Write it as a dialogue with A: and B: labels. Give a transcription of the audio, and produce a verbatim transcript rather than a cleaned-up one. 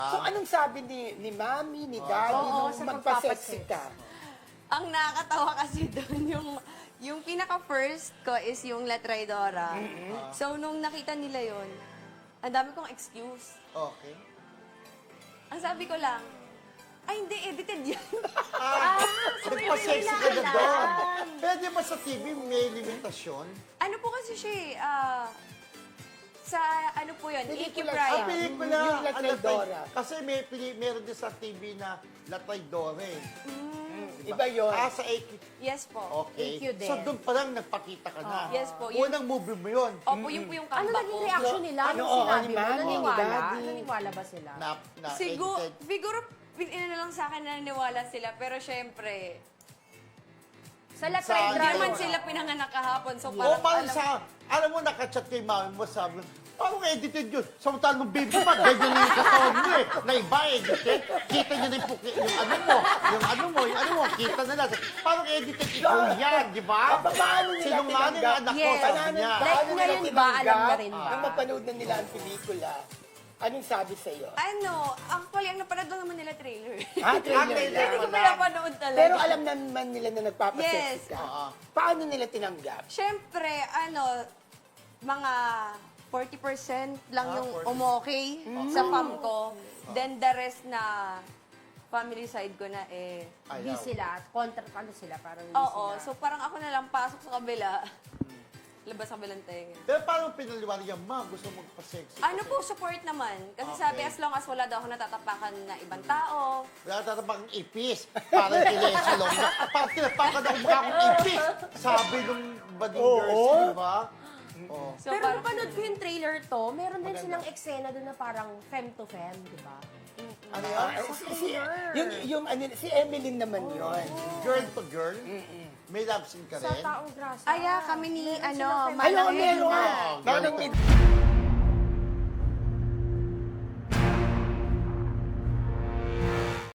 A: So anong sabi ni ni Mami, ni Daddy,
B: Oo,
A: nung
B: sa
A: magpa-sexy
B: magpapasex.
A: ka?
C: Ang nakakatawa kasi doon, yung, yung pinaka-first ko is yung La Traidora. So, nung nakita nila yon, ang dami kong excuse.
D: Okay.
C: Ang sabi ko lang, ay hindi, edited yan.
D: Ah, nagpa-sexy ka na doon. Pwede ba sa T V may limitasyon?
C: Ano po kasi siya eh, ah, sa ano po yun, Iki
A: Pelikula
D: Ah,
C: Prime.
D: pelikula.
A: Yung La
D: Ah, La
A: Traidora.
D: Tray- Kasi may pili, meron din sa T V na La Traidora eh.
A: Iba yun.
D: Ah, sa Iki.
C: Yes po.
D: Okay.
B: A Q din.
D: So doon pa lang nagpakita ka na.
C: Yes po, yun-
D: Unang movie mo yun.
C: Opo, yun po yung
B: Ano
C: comeback
B: naging
C: ko.
B: reaction nila?
A: Ano,
B: Ano
A: oo,
B: sinabi
A: ni
B: mo?
A: Mami,
B: Naniwala?
A: ni Daddy.
B: Naniwala ba sila?
D: Na, na
C: Siguro,
D: edited.
C: siguro, ina na lang sa akin na naniwala sila, pero syempre,
B: Sa La
D: Sa-
C: hindi
B: Traidora.
C: naman sila pinanganak kahapon, so
D: O
C: parang,
D: parang
C: alam,
D: sa, alam mo, nakachat kay mami mo, sabi mo, parang edited yun. Samantalang nung baby pa, ganyan yung katawan mo eh. Na iba edited. Kita niyo na yung, puki- yung ano mo, yung ano mo, yung ano mo, kita na lang. Parang edited, ikaw yan, di ba?
A: Ah, paano nila
D: Sinungaling
A: tinanggap?
D: ang anak ko,
C: Yes.
D: sabi
A: Paano-
D: niya.
B: Like
A: paano nila
B: ngayon ba,
A: tinanggap
B: alam na rin ba?
A: Nung mapanood na nila ang pelikula, anong sabi sa'yo?
C: ano, actually, ang napanood lang naman nila trailer.
A: Ah,
D: Ah,
A: trailer
D: trailer.
A: lang.
C: Hindi ko pinapanood talaga.
A: Pero alam naman nila na nagpapasexy
C: Yes.
A: ka.
D: Oo.
A: Paano nila tinanggap?
C: Siyempre, ano, mga forty percent lang
D: Ah,
C: yung
D: forty.
C: umokay sa fam ko. Then the rest na family side ko na eh.
B: Hindi
D: Ayaw.
B: sila. Contra, ano sila? Parang hindi
C: Oo,
B: sila.
C: so parang ako na lang pasok sa kabila. Labas sa kabilang tenga.
D: Pero paano pinaliwanag yan, ma, gusto mo magpa-sexy?
C: Ano po, support naman. Kasi
D: Okay.
C: sabi, as long as wala daw ako natatapakan na ibang tao,
D: Wala tatapang ipis. Parang kinesalong na. Parang tinapakan ako mukha akong ipis. Sabi nung bading
A: Oo.
D: girls, di ba? Oo.
C: so
B: Pero
C: parang,
B: napanood ko yung trailer to, meron din
D: Maganda.
B: silang eksena doon na parang femme to femme, di ba?
D: Ano
A: Ah,
D: yan?
A: si, si, yung, yung, ano, si Emeline naman yun.
D: Girl to girl? May love scene ka
B: Sa
D: rin?
B: taong grasa.
C: aya kami ni,
B: Meron
C: ano,
B: silang femme-
A: Ayaw,
C: Manang
A: meron.
D: Ah,
A: Manang
D: ganito.